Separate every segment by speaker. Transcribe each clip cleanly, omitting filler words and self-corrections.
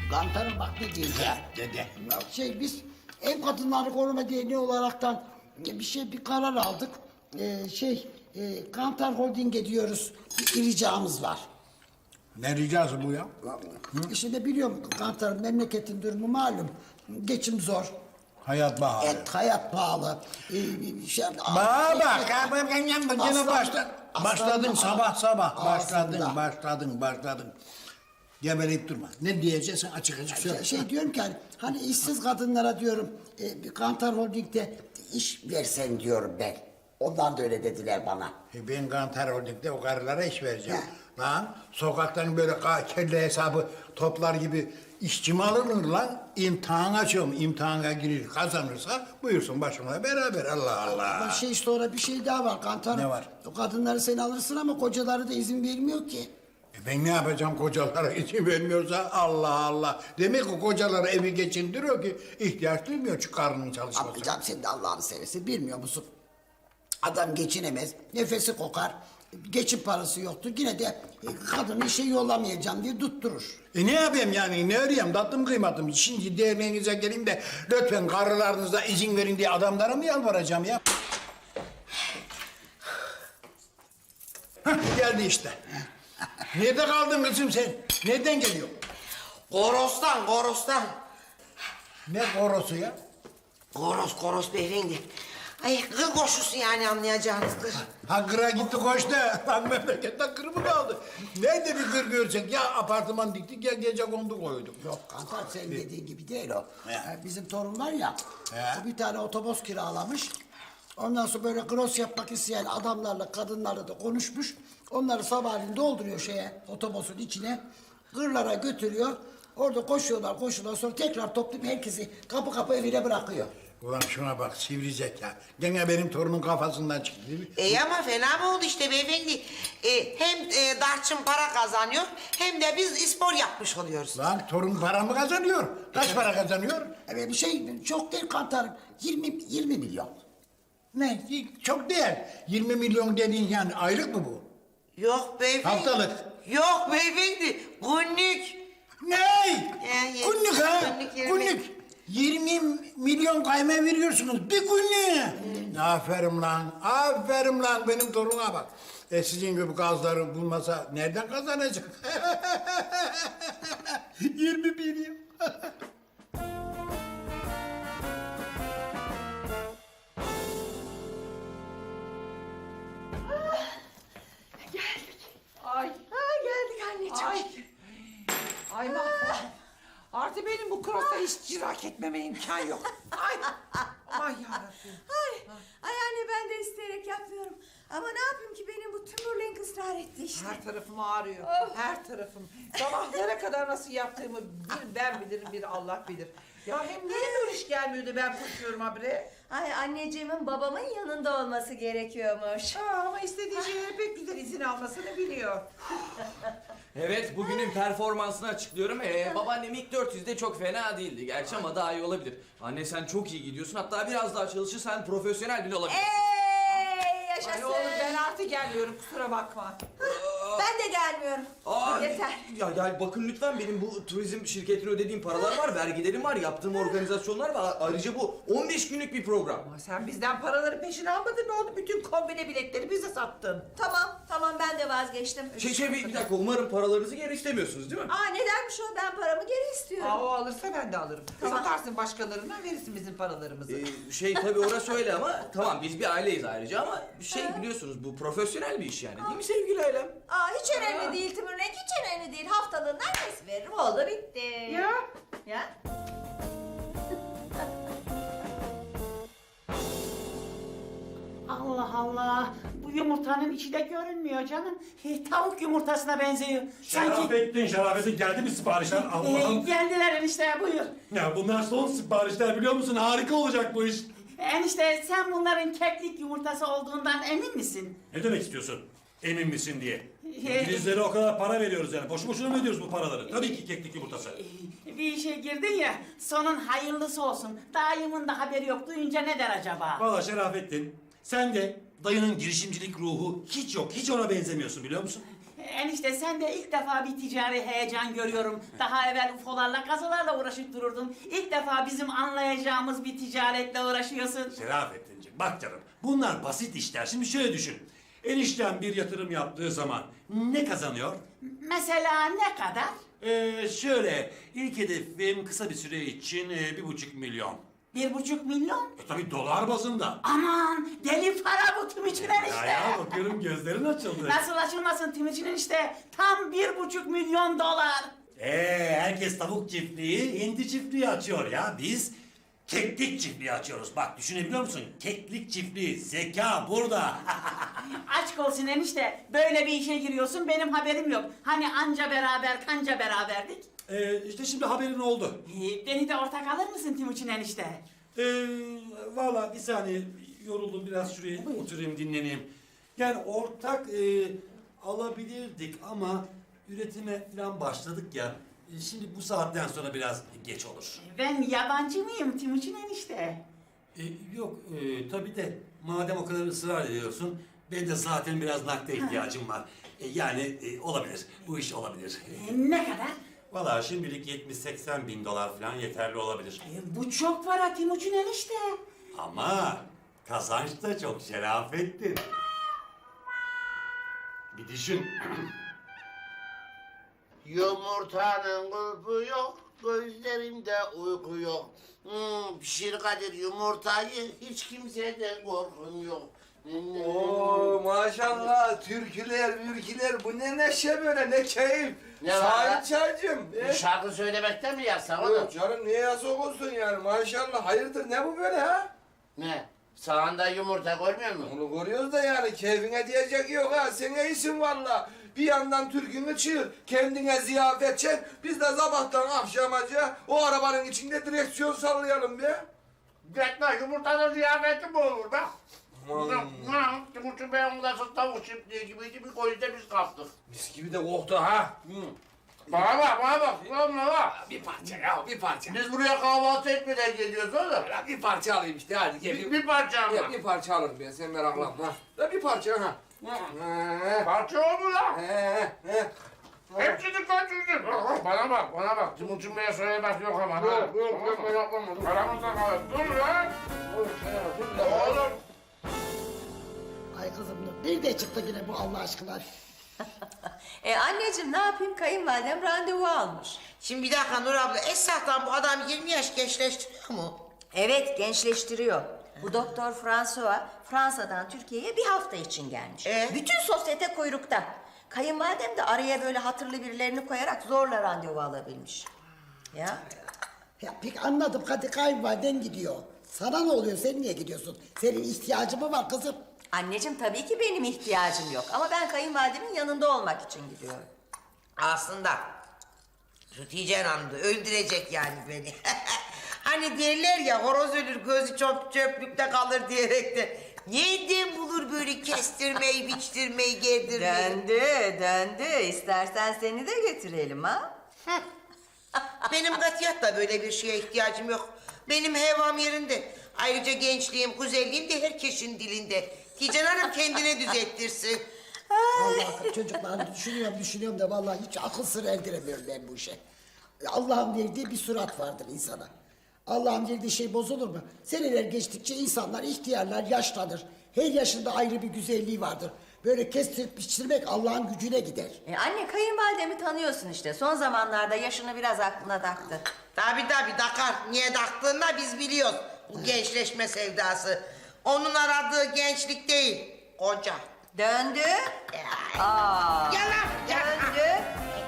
Speaker 1: Kantarım bak ne diyeceğim.
Speaker 2: Dede.
Speaker 1: Ya biz ev kadınları koruma derneği olaraktan bir karar aldık. Kantar Holding'e diyoruz. Bir ricamız var.
Speaker 2: Ne ricası bu ya?
Speaker 1: İşte biliyorum Kantar'ın memleketin durumu malum. Geçim zor.
Speaker 2: Hayat pahalı.
Speaker 1: Hayat pahalı.
Speaker 2: Bana bak. Yine başladın sabah. Başladın. Gebeleyip durma. Ne diyeceksin açık söyle.
Speaker 1: Diyorum ki hani işsiz kadınlara diyorum bir Kantar Holding'de iş versen diyorum ben. Ondan da öyle dediler bana.
Speaker 2: Ben Kantar Holding'de o karılara iş vereceğim. Lan sokaktan böyle kelle hesabı toplar gibi işçi mi alınır lan? İmtihan açıyorum. İmtihana girir kazanırsa buyursun başımla beraber. Allah Allah.
Speaker 1: Ama sonra bir şey daha var Kantar.
Speaker 2: Ne var?
Speaker 1: O kadınları sen alırsın ama kocaları da izin vermiyor ki.
Speaker 2: Ben ne yapacağım kocalara izin vermiyorsa Allah Allah. Demek ki kocaları evi geçindiriyor ki ihtiyaç duymuyor şu karnının çalışması.
Speaker 1: Ama canım sen de Allah'ını seversen bilmiyor musun? Adam geçinemez, nefesi kokar, geçim parası yoktur. Yine de kadını işe yollamayacağım diye tutturur.
Speaker 2: Ne yapayım yani ne arayayım tatlım kıymatım. Şimdi derneğinize geleyim de lütfen karılarınıza izin verin diye adamlara mı yalvaracağım ya? Hah, geldi işte. Nerede kaldın kızım sen? Nereden geliyorsun?
Speaker 3: Koros'tan.
Speaker 2: Ne korosu ya?
Speaker 3: Koros beyefendi. Ay kır koşusu yani anlayacağınız kır.
Speaker 2: Ha kıra gitti koştu. Bak memleketten kır mı kaldı? Nerede bir kır görsek ya apartman diktik ya gece kondu koyduk.
Speaker 1: Yok Kantar senin dediğin gibi değil o.
Speaker 2: He.
Speaker 1: Bizim torun var ya,
Speaker 2: He.
Speaker 1: o bir tane otobüs kiralamış. Ondan sonra böyle gross yapmak isteyen adamlarla kadınlarla da konuşmuş. Onları sabahleyin dolduruyor otobüsün içine. Kırlara götürüyor. Orada koşuyorlar sonra tekrar toplayıp herkesi kapı evine bırakıyor.
Speaker 2: Ulan şuna bak sivri zeka. Gene benim torunun kafasından çıktı değil mi?
Speaker 3: Ama fena mı oldu işte beyefendi? Hem Darçın para kazanıyor hem de biz spor yapmış oluyoruz.
Speaker 2: Lan torun para mı kazanıyor? Kaç para kazanıyor?
Speaker 1: Evet çok değil Kantar'ım. 20 milyon.
Speaker 2: Ne? Çok değil. 20 milyon dediğin yani aylık mı bu?
Speaker 3: Yok beyefendi.
Speaker 2: Haftalık.
Speaker 3: Yok beyefendi. Günlük.
Speaker 2: Ne? Günlük ha?
Speaker 3: Günlük 20.
Speaker 2: Günlük. 20 milyon kayma veriyorsunuz bir günlüğüne. Aferin lan benim toruna bak. Sizin gibi gazları bulmasa nereden kazanacak? 20 milyon.
Speaker 4: Ay.
Speaker 5: Geldik anneciğim.
Speaker 4: Ay mahvoldum. Artık benim bu krosa hiç cirak etmeme imkan yok. Ay. Aman yarabbim.
Speaker 5: Ay anne ben de isteyerek yapmıyorum. Ama ne yapayım ki benim bu tümürlenk ısrar etti işte.
Speaker 4: Her tarafım ağrıyor. Her tarafım. Sabahlara kadar nasıl yaptığımı bir ben bilirim bir Allah bilir. Ya hem niye böyle iş gelmiyordu ben koşuyorum habire.
Speaker 5: Ay anneciğimin babamın yanında olması gerekiyormuş.
Speaker 4: Ama istediği şeyleri pek güzel izin almasını biliyor.
Speaker 6: Evet, bugünün performansını açıklıyorum. Babaannem ilk 400'de çok fena değildi gerçi ama daha iyi olabilir. Anne sen çok iyi gidiyorsun. Hatta biraz daha çalışırsan profesyonel bile olabilirsin.
Speaker 5: Ey yaşasın.
Speaker 4: Ay oğlum ben artık gelmiyorum kusura bakma.
Speaker 5: Ben de gelmiyorum. Yeter.
Speaker 6: Ya bakın lütfen benim bu turizm şirketine ödediğim paralar var, vergilerim var, yaptığım organizasyonlar var. Ayrıca bu 15 günlük bir program.
Speaker 4: Ama sen bizden paraları peşin almadın ne oldu? Bütün kombine biletleri bize sattın.
Speaker 5: Tamam ben de vazgeçtim.
Speaker 6: Bir dakika umarım paralarınızı geri istemiyorsunuz değil mi?
Speaker 5: Nedenmiş o, ben paramı geri istiyorum.
Speaker 4: O alırsa ben de alırım.
Speaker 5: Tamam.
Speaker 4: Satarsın başkalarına verirsin bizim paralarımızı.
Speaker 6: Tabii orası öyle ama tamam biz bir aileyiz ayrıca ama biliyorsunuz bu profesyonel bir iş yani değil mi sevgili ailem?
Speaker 5: Hiç önemli değil tümürlenk, hiç önemli değil. Haftalığından kes veririm, oldu bitti. Ya?
Speaker 7: Allah Allah. Bu yumurtanın içi de görünmüyor canım. Tavuk yumurtasına benziyor.
Speaker 8: Şerafettin geldi mi siparişler? Allah'ım.
Speaker 7: Geldiler enişte, buyur.
Speaker 8: Ya bunlar son siparişler biliyor musun? Harika olacak bu iş.
Speaker 7: Enişte sen bunların keklik yumurtası olduğundan emin misin?
Speaker 8: Ne demek istiyorsun? Emin misin diye. İngilizlere o kadar para veriyoruz yani. Boşu boşuna mı ödüyoruz bu paraları? Tabii ki keklik yumurtası.
Speaker 7: Bir işe girdin ya, sonun hayırlısı olsun. Dayımın da haberi yok, duyunca ne der acaba?
Speaker 8: Vallahi Şerafettin, sen de dayının girişimcilik ruhu hiç yok. Hiç ona benzemiyorsun biliyor musun?
Speaker 7: Enişte sen de ilk defa bir ticari heyecan görüyorum. Daha evvel UFO'larla, kazılarla uğraşıp dururdun. İlk defa bizim anlayacağımız bir ticaretle uğraşıyorsun.
Speaker 8: Şerafettin'ciğim bak canım bunlar basit işler. Şimdi şöyle düşün. Enişten bir yatırım yaptığı zaman ne kazanıyor?
Speaker 7: Mesela ne kadar?
Speaker 8: Şöyle ilk hedefim kısa bir süre için 1,5 milyon.
Speaker 7: 1,5 milyon?
Speaker 8: Tabii dolar bazında.
Speaker 7: Aman deli para bu Timuçin enişte.
Speaker 8: Ya bakıyorum gözlerin açıldı.
Speaker 7: Nasıl açılmasın Timuçin enişte? Tam 1,5 milyon dolar.
Speaker 8: Herkes tavuk çiftliği, hindi çiftliği açıyor ya. Biz keklik çiftliği açıyoruz. Bak düşünebiliyor musun? Keklik çiftliği, zeka burada.
Speaker 7: Aşk olsun enişte. Böyle bir işe giriyorsun benim haberim yok. Hani anca beraber kanca beraberdik.
Speaker 8: İşte şimdi haberin oldu.
Speaker 7: Beni de ortak alır mısın Timuçin enişte?
Speaker 8: Valla bir saniye yoruldum biraz şuraya oturayım dinleneyim. Yani ortak alabilirdik ama üretime falan başladık ya. Şimdi bu saatten sonra biraz geç olur.
Speaker 7: Ben yabancı mıyım Timuçin enişte?
Speaker 8: Yok tabii de madem o kadar ısrar ediyorsun ben de zaten biraz nakde ihtiyacım var. Yani olabilir bu iş olabilir.
Speaker 7: Ne kadar?
Speaker 8: Valla şimdilik 70-80 bin dolar falan yeterli olabilir.
Speaker 7: Bu çok para Timuçin enişte.
Speaker 8: Ama kazanç da çok Şerafettin. Bir düşün.
Speaker 9: Yumurtanın kulpu yok, gözlerimde uyku yok. Pişir Kadir yumurtayı, hiç kimseden korkum yok.
Speaker 10: Oo maşallah türküler, mürküler bu ne neşe böyle ne keyif.
Speaker 9: Ne var
Speaker 10: Sahip
Speaker 9: lan?
Speaker 10: çaycım.
Speaker 9: Bir şarkı söylemekten mi yasak oğlum?
Speaker 10: Yok canım niye yasak olsun yani maşallah hayırdır ne bu böyle ha?
Speaker 9: Ne? Sağında yumurta görmüyor musun?
Speaker 10: Onu görüyoruz da yani keyfine diyecek yok ha sen iyisin valla. Bir yandan türkünü çığır, kendine ziyafet çek. Biz de sabahtan akşamaca o arabanın içinde direksiyon sallayalım be.
Speaker 9: Gitme yumurtanın ziyafeti mi olur be? Timuçin Bey'in odası tavuk çiftliği gibiydi, bir golde biz kaptık.
Speaker 10: Mis gibi de koktu ha.
Speaker 9: Bana bak. Ulan ne var?
Speaker 10: Bir parça ya bir parça.
Speaker 9: Biz buraya kahvaltı etmeden geliyoruz oğlum.
Speaker 10: Ya bir parça alayım işte hadi gel.
Speaker 9: Bir parça ama.
Speaker 10: Ya bir parça alırım ben sen meraklanma. Ya bir parça ha.
Speaker 9: Parça o mu lan?
Speaker 10: He.
Speaker 9: Hepsini kaçırdın. Bana bak. Timuçin Bey'e söylemek yok ama.
Speaker 10: Yok,
Speaker 9: Aramızda kalır. Dur lan. Oğlum.
Speaker 1: Ay kızım nerede çıktı yine bu Allah aşkına?
Speaker 5: Anneciğim ne yapayım kayınvalidem randevu almış.
Speaker 3: Şimdi bir dakika Nur abla, esasdan bu adam 20 yaş gençleştiriyor mu?
Speaker 5: Evet gençleştiriyor. Bu doktor François Fransa'dan Türkiye'ye bir hafta için gelmiş. Bütün sosyete kuyrukta. Kayınvalidem de araya böyle hatırlı birilerini koyarak zorla randevu alabilmiş. Ya.
Speaker 1: Ya pek anladım hadi kayınvaliden gidiyor. Sana ne oluyor sen niye gidiyorsun? Senin ihtiyacın mı var kızım?
Speaker 5: Anneciğim tabii ki benim ihtiyacım yok ama ben kayınvalidemin yanında olmak için gidiyorum.
Speaker 3: Aslında Hatice Hanım da öldürecek yani beni. Hani derler ya horoz ölür gözü çöplükte kalır diyerek de. Nereden bulur böyle kestirmeyi, biçtirmeyi, gerdirmeyi?
Speaker 5: Döndü. İstersen seni de götürelim ha.
Speaker 3: Benim katiyatta böyle bir şeye ihtiyacım yok. Benim hevam yerinde. Ayrıca gençliğim, güzelliğim de herkesin dilinde. Hatice Hanım kendine düzelttirsin.
Speaker 1: Vallahi çocuklar düşünüyorum da vallahi hiç akıl sır erdiremiyorum ben bu işe. Allah'ın verdiği bir surat vardır insana. Allah'ın verdiği şey bozulur mu? Seneler geçtikçe insanlar ihtiyarlar, yaşlanır. Her yaşında ayrı bir güzelliği vardır. Böyle kestirip biçtirmek Allah'ın gücüne gider.
Speaker 5: Anne kayınvalidemi tanıyorsun işte. Son zamanlarda yaşını biraz aklına taktı.
Speaker 3: Tabii takar. Niye taktığını da biz biliyoruz. Bu gençleşme sevdası. Onun aradığı gençlik değil, koca.
Speaker 5: Döndü. Aa.
Speaker 3: Yalan.
Speaker 5: Döndü.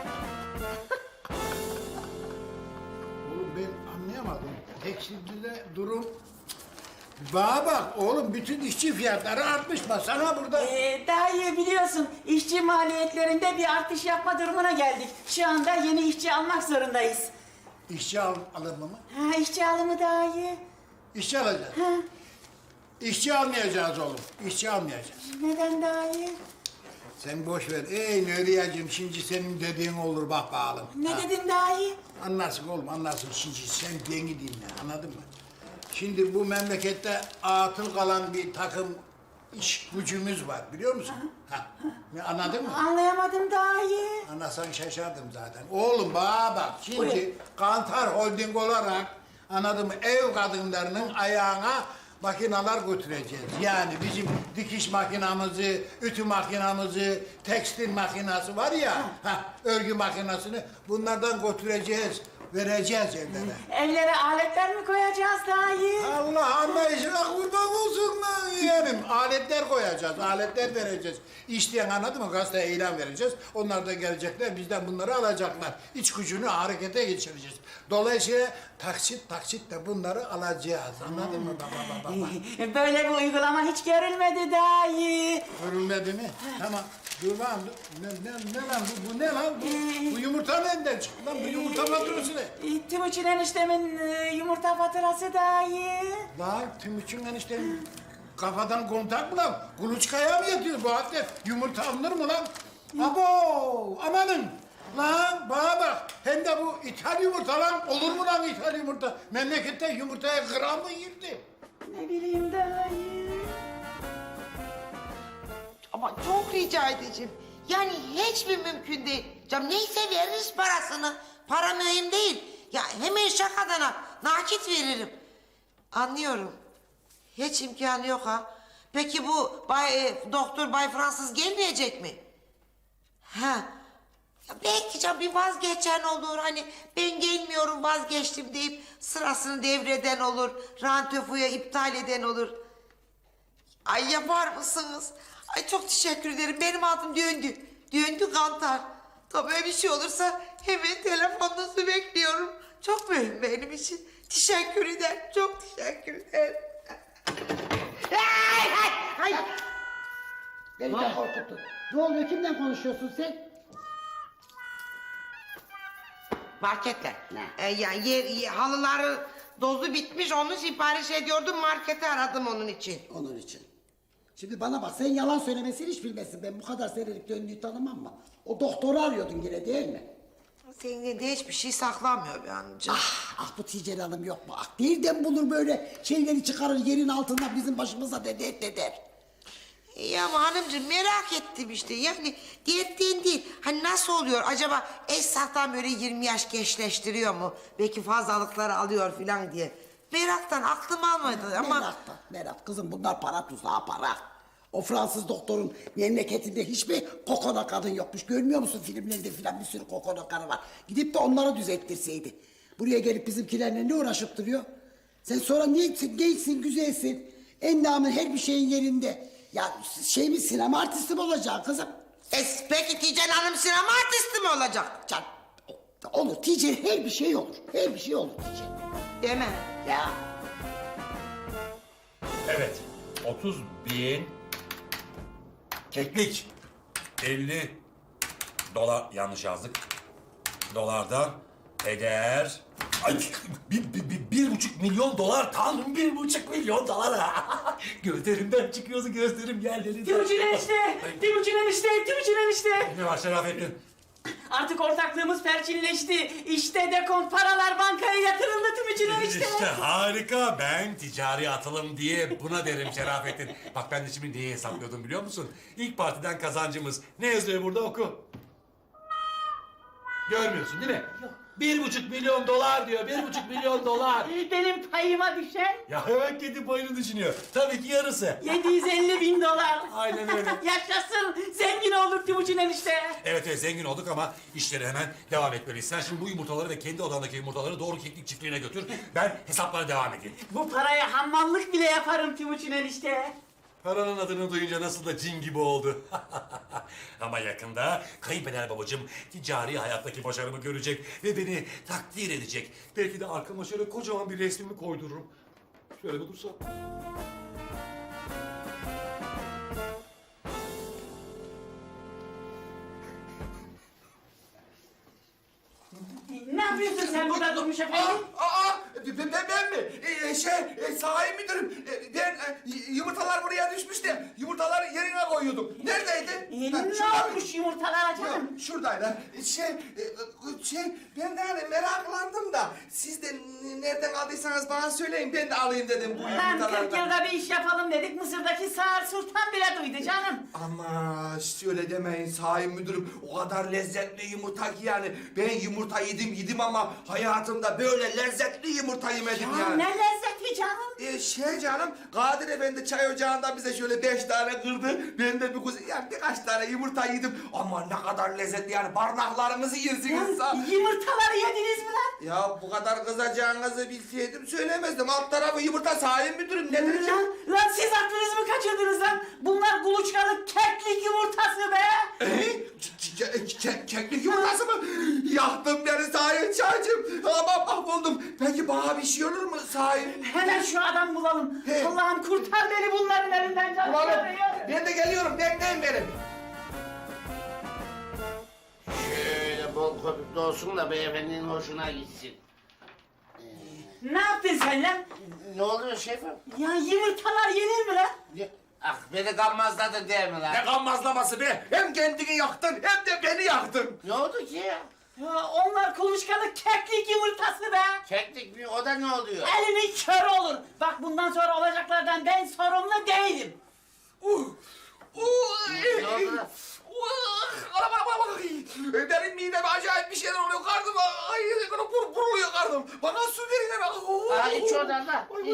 Speaker 2: Oğlum ben anlayamadım. Tekstilde durum... Bana bak oğlum bütün işçi fiyatları artmış sana burada.
Speaker 7: Daha iyi biliyorsun işçi maliyetlerinde bir artış yapma durumuna geldik. Şu anda yeni işçi almak zorundayız.
Speaker 2: İşçi alımı mı?
Speaker 7: İşçi alımı daha iyi.
Speaker 2: İşçi alacağız. İşçi almayacağız oğlum. İşçi almayacağız.
Speaker 7: Neden daha iyi?
Speaker 2: Sen boş ver. Ey Nuriyacığım şimdi senin dediğin olur bak bakalım.
Speaker 7: Ne dedin daha iyi?
Speaker 2: Anlarsın oğlum anlarsın şimdi sen beni dinle anladın mı? Şimdi bu memlekette atıl kalan bir takım iş gücümüz var biliyor musun? Ha, anladın mı?
Speaker 7: Anlayamadım dayı.
Speaker 2: Anlasan şaşardım zaten. Oğlum bana bak şimdi Kantar Holding olarak anladın mı ev kadınlarının ayağına makineler götüreceğiz. Yani bizim dikiş makinamızı, ütü makinamızı, tekstil makinası var ya, örgü makinasını bunlardan götüreceğiz, vereceğiz evlere.
Speaker 7: Evlere aletler mi koyacağız dayı?
Speaker 2: Allah anlayışına kurban olsun lan yeğenim. Aletler koyacağız, aletler vereceğiz. İsteyen anladın mı? Gazeteye ilan vereceğiz. Onlar da gelecekler, bizden bunları alacaklar. İç gücünü harekete geçireceğiz. Dolayısıyla taksit de bunları alacağız. Anladın mı baba?
Speaker 7: Böyle bir uygulama hiç görülmedi dayı.
Speaker 2: Görülmedi mi? Tamam. Dur lan. Ne lan bu ne lan? Bu yumurta nereden çıktı lan? Bu yumurta faturası ne?
Speaker 7: Timuçin eniştemin yumurta faturası dayı.
Speaker 2: Lan Timuçin eniştenin kafadan kontak mı lan? Kuluçkaya mı yatıyor bu halde? Yumurta alınır mı lan? Abo! Amanın! Lan bana bak! Hem de bu ithal yumurta lan! Olur mu lan ithal yumurta? Memlekette yumurtaya gram mı girdi?
Speaker 7: Ne bileyim dayı.
Speaker 3: Ama çok rica edeceğim. Yani hiç mi mümkün değil? Canım neyse veririz parasını. Para mühim değil. Ya hemen şakadan nakit veririm. Anlıyorum. Hiç imkanı yok ha. Peki bu Doktor Bay Fransız gelmeyecek mi? Ha. Ya belki canım bir vazgeçen olur. Hani ben gelmiyorum vazgeçtim deyip sırasını devreden olur. Randevuya iptal eden olur. Ay yapar mısınız? Ay çok teşekkür ederim. Benim adım döndü. Döndü Kantar. Tabii öyle bir şey olursa hemen telefonunuzu bekliyorum. Çok mühim benim için. Teşekkür ederim. Çok teşekkür ederim. Ay!
Speaker 1: Beni de korkuttun. Ne oluyor? Kimden konuşuyorsun sen?
Speaker 3: Marketler. Yani halıları dozu bitmiş. Onu sipariş ediyordum. Markete aradım onun için.
Speaker 1: Onun için. Şimdi bana bak sen yalan söylemesini hiç bilmezsin. Ben bu kadar senelik döndüğü tanımam mı? O doktoru arıyordun yine değil mi?
Speaker 3: Senin de hiçbir şey saklamıyor be hanımcığım.
Speaker 1: Bu Ticari Hanım yok mu? Nereden bulur böyle şeyleri çıkarır yerin altından bizim başımıza deder.
Speaker 3: Ya ama hanımcığım merak ettim işte. Yani diyetten değil. Hani nasıl oluyor acaba Esnaf'tan böyle 20 yaş gençleştiriyor mu? Belki fazlalıkları alıyor falan diye. Meraktan aklım almadı ama...
Speaker 1: Merak kızım bunlar para tuzağı para. O Fransız doktorun memleketinde hiçbir kokona kadın yokmuş. Görmüyor musun filmlerde filan bir sürü kokona karı var. Gidip de onları düzelttirseydi. Buraya gelip bizimkilerle ne uğraşıp duruyor? Sen sonra niye gençsin, güzelsin. Endamın her bir şeyin yerinde. Ya mi sinema artisti mi olacaksın kızım?
Speaker 3: Peki Tijen Hanım sinema artisti mi olacak?
Speaker 1: Can, olur Tijen her bir şey olur. Her bir şey olur Tijen.
Speaker 3: Değil mi?
Speaker 1: Ya.
Speaker 8: Evet. 30.000 keklik. 50 dolar yanlış yazdık. Dolardan eder. Ay, 1,5 milyon dolar tanrım 1,5 milyon dolar. Gözlerimden çıkıyordu gözlerim yerlerinden.
Speaker 7: Timuçin enişte! Timuçin enişte!
Speaker 8: Ne var Şerafettin?
Speaker 7: Artık ortaklığımız perçinleşti. İşte dekont paralar bankaya yatırıldı Timuçin enişte.
Speaker 8: İşte harika. Ben ticari atılım diye buna derim Şerafettin. Bak ben de şimdi neyi hesaplıyordum biliyor musun? İlk partiden kazancımız. Ne yazıyor burada oku. Görmüyorsun değil mi? Yok. 1,5 milyon dolar diyor. 1,5 milyon dolar.
Speaker 7: Benim payıma düşen
Speaker 8: Ya hemen kendi payını düşünüyor. Tabii ki yarısı.
Speaker 7: 750.000 dolar.
Speaker 8: Aynen öyle.
Speaker 7: Yaşasın. Zengin olduk Timuçin enişte.
Speaker 8: Evet zengin olduk ama işleri hemen devam etmeliyiz. Sen şimdi bu yumurtaları ve kendi odandaki yumurtaları doğru keklik çiftliğine götür. Ben hesaplara devam edeyim.
Speaker 7: Bu paraya hammallık bile yaparım Timuçin enişte.
Speaker 8: Paranın adını duyunca nasıl da cin gibi oldu. Ama yakında kayınpeder babacığım ticari hayattaki başarımı görecek ve beni takdir edecek. Belki de arkama şöyle kocaman bir resmimi koydururum. Şöyle bir dursam.
Speaker 7: Ne yapıyorsun sen burada durmuş efendim?
Speaker 10: Ben mi? Sahi müdürüm. Ben yumurtalar buraya düşmüş de yumurtaları yerine koyuyordum. Neredeydi?
Speaker 7: Ne olmuş yumurtalara canım?
Speaker 10: Şuradaylar. Ben de hani meraklandım da siz de nereden aldıysanız bana söyleyin. Ben de alayım dedim bu
Speaker 7: Ben 40
Speaker 10: yumurtalardan.
Speaker 7: yılda bir iş yapalım dedik. Mısır'daki Sağır Sultan bile duydu canım.
Speaker 10: Ama öyle demeyin Sayın Müdürüm. O kadar lezzetli yumurta ki yani. Ben yumurta yedim ama hayatımda böyle lezzetli yumurta yemedim
Speaker 7: Ya
Speaker 10: yani.
Speaker 7: ne lezzeti canım.
Speaker 10: Canım, Kadir Efendi çay ocağında bize şöyle 5 tane kırdı. Ben de birkaç tane yumurta yedim. Ama ne kadar lezzetli yani, parmaklarınızı yersiniz.
Speaker 7: Yumurtaları yediniz mi lan?
Speaker 10: Ya bu kadar kızacağınızı bilseydim söylemezdim. Alt tarafı yumurta Sayın Müdürüm, ne diyeceğim?
Speaker 7: Lan siz aklınızı mı kaçırdınız lan? Bunlar kuluçkalı keklik yumurtası be.
Speaker 10: Keklik yumurtası mı? Yaktın beni Sayın Çaycığım. Ama mahvoldum. Peki bana bir şey olur mu Sayın?
Speaker 7: Hemen şu adam bulalım. Allah'ım kurtar beni bunların elinden canım.
Speaker 10: Ulan ben de geliyorum, bekleyin beni.
Speaker 9: Şöyle bol köpüklü olsun da beyefendinin hoşuna gitsin.
Speaker 7: Ne yaptın sen lan?
Speaker 9: Ne oluyor şefim?
Speaker 7: Ya yumurtalar yenir mi lan?
Speaker 9: Ah beni gammazladın değil mi lan?
Speaker 10: Ne gammazlaması be? Hem kendini yaktın hem de beni yaktın.
Speaker 9: Ne oldu ki ya?
Speaker 7: Ya onlar kuluçkalı keklik yumurtası be.
Speaker 9: Keklik mi? O da ne oluyor?
Speaker 7: Elinin körü olur. Bak bundan sonra olacaklardan ben sorumlu değilim.
Speaker 9: Ne oldu lan?
Speaker 10: Benim mideme acayip bir şeyler oluyor. Karnım buruluyor karnım. Bana su verin.
Speaker 9: Ha iç oradan da. İç.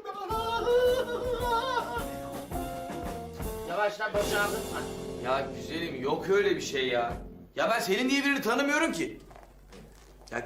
Speaker 9: Yavaşla boşaldın.
Speaker 6: Ya güzelim yok öyle bir şey ya. Ya ben Selin diye birini tanımıyorum ki. Ya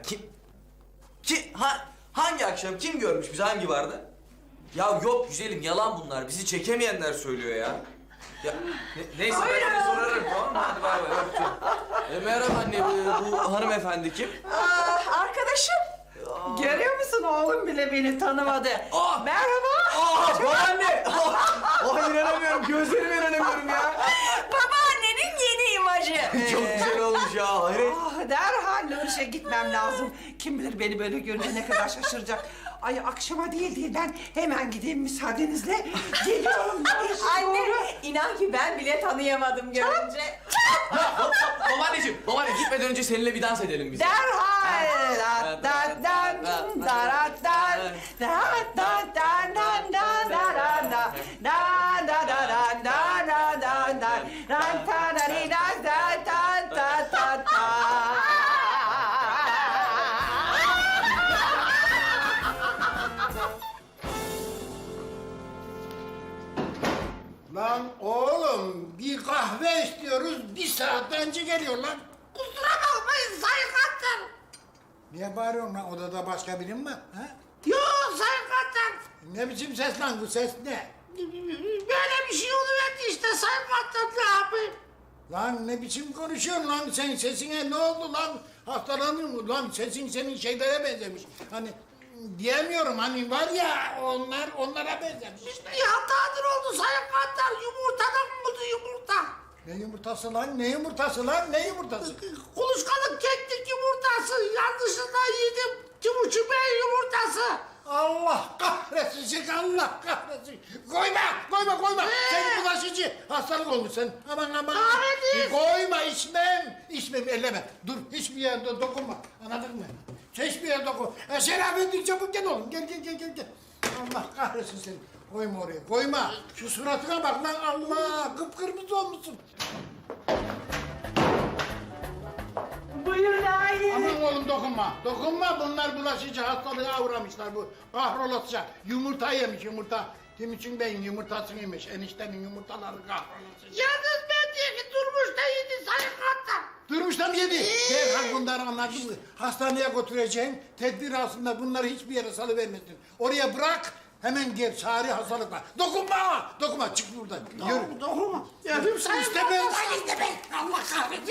Speaker 6: hangi akşam kim görmüş bizi, hangi vardı? Ya yok güzelim, yalan bunlar. Bizi çekemeyenler söylüyor ya. Ya neyse ben seni sorarım, tamam mı? Hadi bay bay, öptüm. Merhaba anne, bu hanımefendi kim?
Speaker 4: Arkadaşım. Görüyor musun, oğlum bile beni tanımadı. Merhaba.
Speaker 6: Babaanne! İnanamıyorum, gözlerime inanamıyorum ya.
Speaker 5: Babaannenin yeni imajı.
Speaker 6: Çok güzel olmuş ya, hayret.
Speaker 4: Derhal Nurşe gitmem lazım. Kim bilir beni böyle görünce ne kadar şaşıracak. Ay akşama değil ben hemen gideyim müsaadenizle. Geliyorum.
Speaker 5: Anne inan ki ben bile tanıyamadım görünce.
Speaker 6: Babaanne gitmeden önce seninle bir dans edelim biz.
Speaker 4: Derhal.
Speaker 2: Lan oğlum bir kahve istiyoruz, bir saat önce geliyor lan.
Speaker 1: Kusura bakmayın Sayın Kaptan.
Speaker 2: Niye bağırıyorsun lan, odada başka birin mi? Ha?
Speaker 1: Yok Sayın Kaptan.
Speaker 2: Ne biçim ses lan, bu ses ne?
Speaker 1: Böyle bir şey oluverdi işte Sayın Kaptan, ne yapayım?
Speaker 2: Lan ne biçim konuşuyorsun lan, sen sesine ne oldu lan? Hastalandın mı lan, sesin senin şeylere benzemiş. Hani diyemiyorum, hani var ya onlara benzemiş.
Speaker 1: İşte bir hatadır oldu Sayın Kaptan, yumurtadan buldu yumurta.
Speaker 2: Ne yumurtası lan, ne yumurtası lan, ne yumurtası?
Speaker 1: Kuluçkalı keklik yumurtası, yanlışlıkla yedim. Timuçin Bey yumurtası.
Speaker 2: Allah kahretsin, Allah kahretsin. Koyma. Sen bulaşıcı hastalık olmuş sen. Aman.
Speaker 1: Kahretsin.
Speaker 2: Koyma, içmem, elleme. Dur, hiçbir yere dokunma, anladın mı? Hiçbir yere dokun. Şerafettin çabuk gel oğlum, gel. Allah kahretsin seni. Koyma oraya, koyma. Şu suratına bak lan, Allah, kıpkırmızı olmuşsun.
Speaker 7: Buyurun aile.
Speaker 2: Aman oğlum dokunma. Bunlar bulaşıcı hastalığa uğramışlar bu. Kahrolasıca. Yumurta yemiş, yumurta. Timuçin Bey'in yumurtasını yemiş. Eniştemin yumurtaları kahrolasıca.
Speaker 1: Yalnız ben diye ki durmuş da yedi Sayın Kaptan.
Speaker 2: Durmuş da mı yedi? Derhal bunları anladın mı? Hastaneye götüreceksin. Tedbir aslında bunları hiçbir yere salıvermesin. Oraya bırak. Hemen gel, çağrı hastalıklar. Dokunma, çık buradan. Yürü.
Speaker 1: Dokunma.
Speaker 2: Yürü, istemez.
Speaker 1: Allah kahretsin.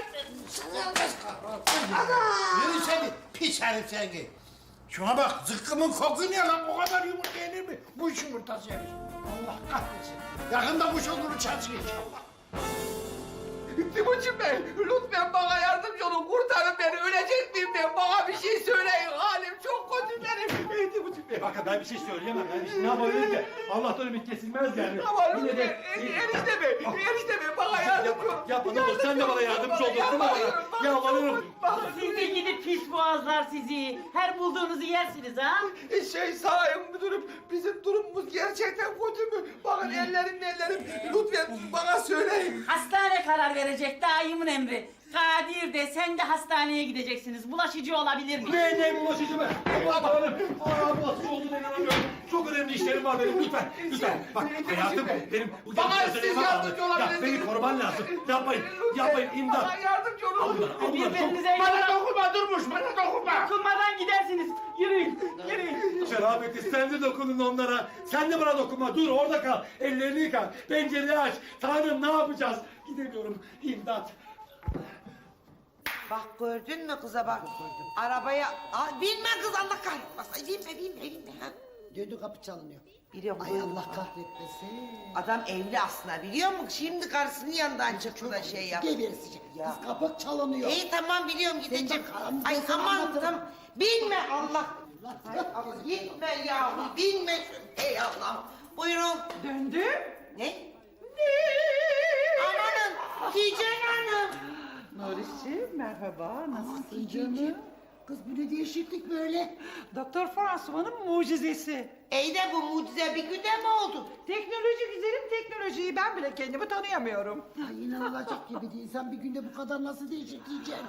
Speaker 2: Yürü seni, pis herif seni. Şuna bak, zıkkımın koku ne lan? O kadar yumurta yenir mi? Bu iş yumurtası yemiş. Allah kahretsin. Yakında kuş olur çarşıya inşallah.
Speaker 10: Timuçin Bey, lütfen bana yardımcı olun. Kurtarın beni, ölecek miyim ben? Bana bir şey söyleyin. Halim çok kötü benim. Timuçin Bey,
Speaker 8: bakın ben bir şey söyleyemem. Ben işte ne yapabilirim ki? Allah'tan ümit kesilmez yani. Yine de...
Speaker 10: Enişteme bana yardımcı ol.
Speaker 8: Yapma ne olur sen de bana yardımcı ol. Dokunma bana. Yalvarırım.
Speaker 7: Sizi gidip pis boğazlar sizi. Her bulduğunuzu yersiniz ha.
Speaker 10: Sayın müdürüm, bizim durumumuz gerçekten kötü mü? Bakın ellerim. Lütfen bana söyleyin.
Speaker 7: Hastane karar verecek daimin emri. Kadir de sen de hastaneye gideceksiniz. Bulaşıcı olabilir mi?
Speaker 8: Ne bulaşıcı be? Bulaşıcı olduğuna inanamıyorum. Çok önemli işlerim var benim lütfen. Bak hayatım benim...
Speaker 10: Bana siz yardımcı olabilirsiniz.
Speaker 8: Beni koruman lazım. Yapmayın imdat.
Speaker 10: Bana yardımcı olun.
Speaker 7: Birbirinize
Speaker 9: Bana dokunma Durmuş, bana dokunma.
Speaker 7: dokunmadan gidersiniz. Yürüyün.
Speaker 8: Şerafettin sen de dokunun onlara. Sen de bana dokunma. Dur orada kal. Ellerini yıka. Pencereyi aç. Tanrım ne yapacağız? Gidemiyorum. İmdat.
Speaker 3: Bak gördün mü kıza bak. Arabaya... Aa, binme kız Allah kahretmesin. Binme. Ha?
Speaker 1: Döndü kapı çalınıyor.
Speaker 3: Biliyorum.
Speaker 1: Ay Allah kahretmesin.
Speaker 3: Adam evli aslında biliyor musun? Şimdi karısının yanından çıktı da şey yaptı.
Speaker 1: Gebersici.
Speaker 3: Ya.
Speaker 1: Kız kapı çalınıyor.
Speaker 3: İyi tamam biliyorum gideceğim.
Speaker 1: Sen bak,
Speaker 3: Ay
Speaker 1: ben sana
Speaker 3: aman
Speaker 1: anlatırım.
Speaker 3: tamam. Binme Allah. Ay, ama gitme yahu binme. Ey Allah. Buyurun.
Speaker 4: Döndü.
Speaker 3: Ne? Amanın Hicen Hanım.
Speaker 4: Nurişciğim merhaba. Nasılsın
Speaker 1: Canım.
Speaker 4: canım?
Speaker 1: Kız bu ne değişiklik böyle?
Speaker 4: Doktor François'ın mucizesi.
Speaker 3: İyi de bu mucize bir günde mi oldu?
Speaker 4: Teknoloji güzelim teknolojiyi ben bile kendimi tanıyamıyorum.
Speaker 1: Ay inanılacak gibi değil. İnsan bir günde bu kadar nasıl değişik diyeceksin?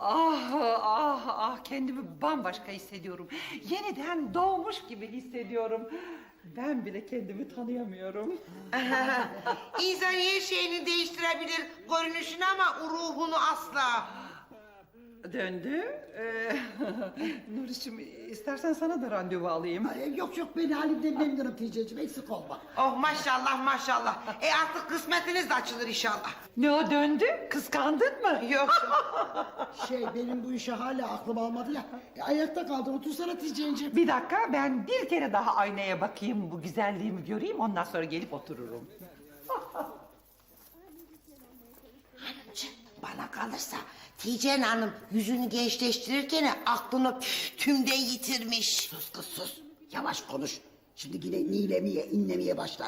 Speaker 4: Kendimi bambaşka hissediyorum. Yeniden doğmuş gibi hissediyorum. Ben bile kendimi tanıyamıyorum.
Speaker 3: İnsan her şeyini değiştirebilir görünüşünü ama ruhunu asla.
Speaker 4: Döndü. Nuriş'im istersen sana da randevu alayım.
Speaker 1: Ay, yok beni halimden memnunum Teyzeciğim eksik olma.
Speaker 3: Oh maşallah. Artık kısmetiniz de açılır inşallah.
Speaker 4: Ne o döndü? Kıskandın mı?
Speaker 3: Yok.
Speaker 1: Benim bu işe hala aklım almadı ya. Ayakta kaldın otursana Teyzeciğim.
Speaker 4: Bir dakika ben bir kere daha aynaya bakayım bu güzelliğimi göreyim ondan sonra gelip otururum.
Speaker 3: Hanımcığım bana kalırsa Tijen Hanım yüzünü gençleştirirken aklını tümden yitirmiş.
Speaker 1: Sus kız sus. Yavaş konuş. Şimdi yine nilemeye inlemeye başlar.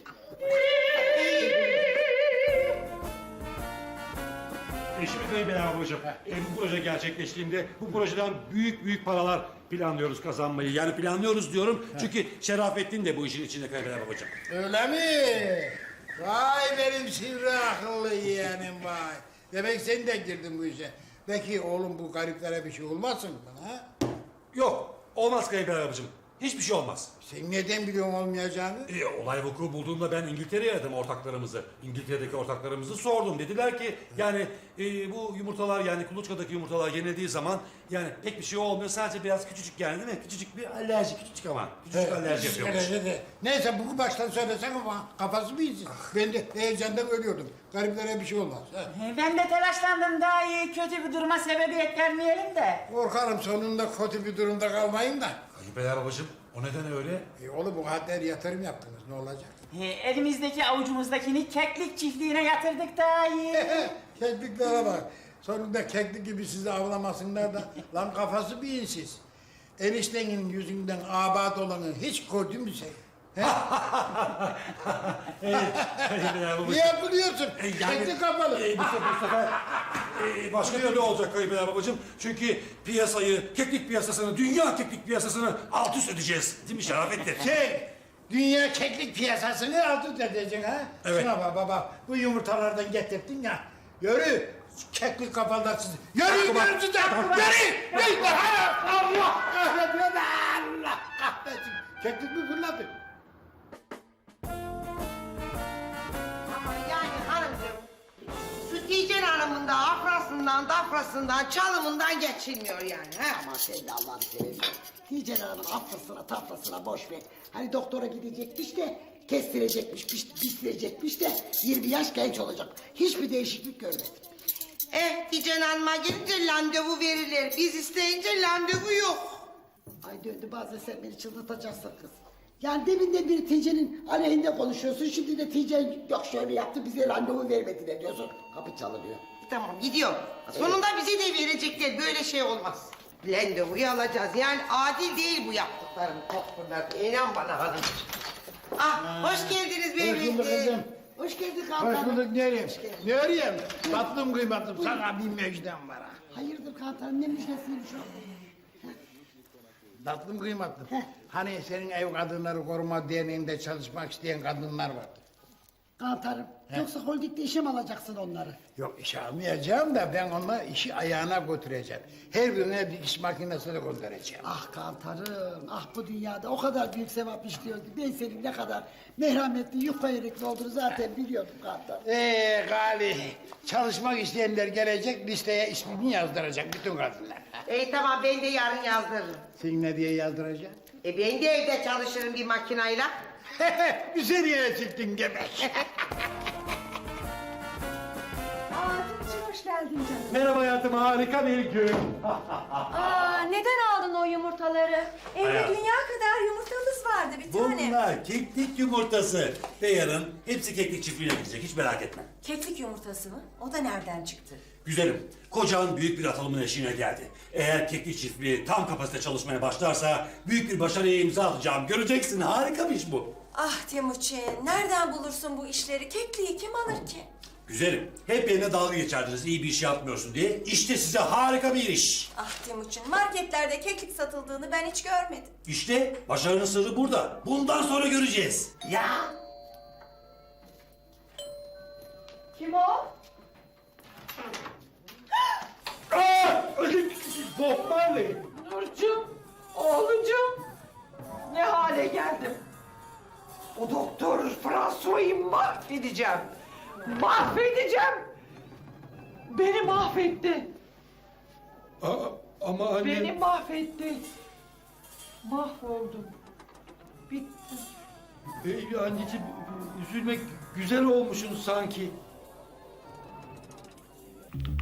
Speaker 8: Şimdi Bey Bey babacığım, bu proje gerçekleştiğinde bu projeden büyük paralar planlıyoruz kazanmayı. Yani planlıyoruz diyorum çünkü Şerafettin de bu işin içinde Bey babacığım.
Speaker 2: Öyle mi? Vay benim sivri akıllı yeğenim vay. Demek sen de girdin bu işe. Peki oğlum bu gariplere bir şey olmasın bana ha?
Speaker 8: Yok, olmaz Bey babacığım. Hiçbir şey olmaz.
Speaker 2: Sen neden biliyorsun olmayacağını?
Speaker 8: Olay vuku bulduğumda ben İngiltere'ye aradım ortaklarımızı. İngiltere'deki ortaklarımızı sordum. Dediler ki yani bu yumurtalar yani kuluçkadaki yumurtalar yenildiği zaman yani pek bir şey olmuyor. Sadece biraz küçücük yani değil mi? Küçücük bir alerji küçücük ama. Küçücük alerji yapıyormuş.
Speaker 2: Neyse bunu baştan söylesen ama kafası bir iyisin. Ben de heyecandan ölüyordum. Gariplere bir şey olmaz. Ha.
Speaker 7: Ben de telaşlandım daha iyi. Kötü bir duruma sebebiyet vermeyelim de.
Speaker 2: Korkarım sonunda kötü bir durumda kalmayın da.
Speaker 8: Bey babacığım o neden öyle?
Speaker 2: Oğlum bu kadar yatırım yaptınız ne olacak?
Speaker 7: Elimizdeki avucumuzdakini keklik çiftliğine yatırdık daha iyi.
Speaker 2: Kekliklere bak. Sonunda keklik gibi sizi avlamasınlar da. Lan kafası bir insiz. Eniştenin yüzünden abat olanı hiç gördün mü sen? Niye gülüyorsun? Keklik kapalı.
Speaker 8: Bu sefer başka türlü olacak Bey babacığım. Çünkü keklik piyasasını, dünya keklik piyasasını alt üst edeceğiz. Değil mi Şerafettin?
Speaker 2: Dünya keklik piyasasını alt üst edeceksin ha?
Speaker 8: Evet.
Speaker 2: Şuna bak baba, bu yumurtalardan getirdin ya. Yürü, keklik kafalılar sizi. Yürü, yürü size! Yürü! Allah kahretsin! Allah kahretsin! Keklik mi fırladı?
Speaker 3: Ama yani hanımcığım şu Tijen Hanım'ın da afrasından dafrasından çalımından geçilmiyor yani. Ha?
Speaker 1: Ama sen de Allah'ını seversen. Tijen Hanım'ın afrasına tafrasına boş ver. Hani doktora gidecekmiş de kestirecekmiş, piştirecekmiş de 20 yaş genç olacak. Hiçbir değişiklik görmedim.
Speaker 3: Tijen Hanım'a gidince randevu verilir. Biz isteyince randevu yok.
Speaker 1: Ay döndü bazen sen beni çıldırtacaksın kız. Yani deminden beri Tijen'in aleyhinde konuşuyorsun. Şimdi de Tijen yok şöyle yaptı bize randevu vermediler diyorsun. Kapı çalınıyor.
Speaker 3: Tamam gidiyorum. Sonunda bize de verecekler. Böyle şey olmaz. randevuyu alacağız. Yani adil değil bu yaptıklarım doktorlar. İnan bana hanım. Ah, hoş geldiniz beyefendi.
Speaker 2: bulduk kızım.
Speaker 1: Hoş geldin
Speaker 2: Hoş
Speaker 1: Kantarım.
Speaker 2: bulduk nereye? Nereye? Tatlım kıymatım sana bir müjdem var ha.
Speaker 1: Hayırdır Kantarım ne müjdesiymiş o?
Speaker 2: Tatlım kıymatım. Hani senin ev kadınları koruma derneğinde çalışmak isteyen kadınlar vardı.
Speaker 1: Kantarım yoksa holdingde işe mi alacaksın onları?
Speaker 2: Yok işe almayacağım da ben onunla işi ayağına götüreceğim. Her birine bir iş makinesini göndereceğim.
Speaker 1: Ah Kantarım, ah bu dünyada o kadar büyük sevap işliyor ki ben senin ne kadar merhametli, yufka yürekli olduğunu zaten biliyordum Kantarım.
Speaker 2: Gali, çalışmak isteyenler gelecek listeye ismini yazdıracak bütün kadınlar.
Speaker 3: Tamam ben de yarın yazdırırım.
Speaker 2: Sen ne diye yazdıracaksın?
Speaker 3: Ben de evde çalışırım bir makinayla.
Speaker 2: Güzel yere çıktın gebek.
Speaker 5: Timuçin hoş geldin canım.
Speaker 8: Merhaba hayatım, harika bir gün.
Speaker 5: Neden aldın o yumurtaları? Evde
Speaker 8: Hayatım.
Speaker 5: dünya kadar yumurtamız vardı bir tane.
Speaker 8: Bunlar keklik yumurtası. Ve yarın hepsi keklik çiftliğine gidecek, hiç merak etme.
Speaker 5: Keklik yumurtası mı? O da nereden çıktı?
Speaker 8: Güzelim, kocan büyük bir atılımın eşiğine geldi. Eğer keklik çiftliği tam kapasite çalışmaya başlarsa büyük bir başarıya imza atacağım. Göreceksin, harika bir iş bu.
Speaker 5: Ah Timuçin, nereden bulursun bu işleri? Kekliği kim alır ki?
Speaker 8: Güzelim, hep yerine dalga geçerdiniz iyi bir iş yapmıyorsun diye. İşte size harika bir iş.
Speaker 5: Ah Timuçin, marketlerde keklik satıldığını ben hiç görmedim.
Speaker 8: İşte başarının sırrı burada. Bundan sonra göreceğiz.
Speaker 3: Ya
Speaker 5: Kim o?
Speaker 8: Bob Marley.
Speaker 4: Nurcuğum, oğlucuğum. Ne hale geldim. O doktor François'ı mahvedeceğim. Mahvedeceğim. Beni mahvetti.
Speaker 8: Ama anne...
Speaker 4: Beni mahvetti. Mahvoldum. Bittim.
Speaker 8: Anneciğim, üzülmek güzel olmuşsun sanki.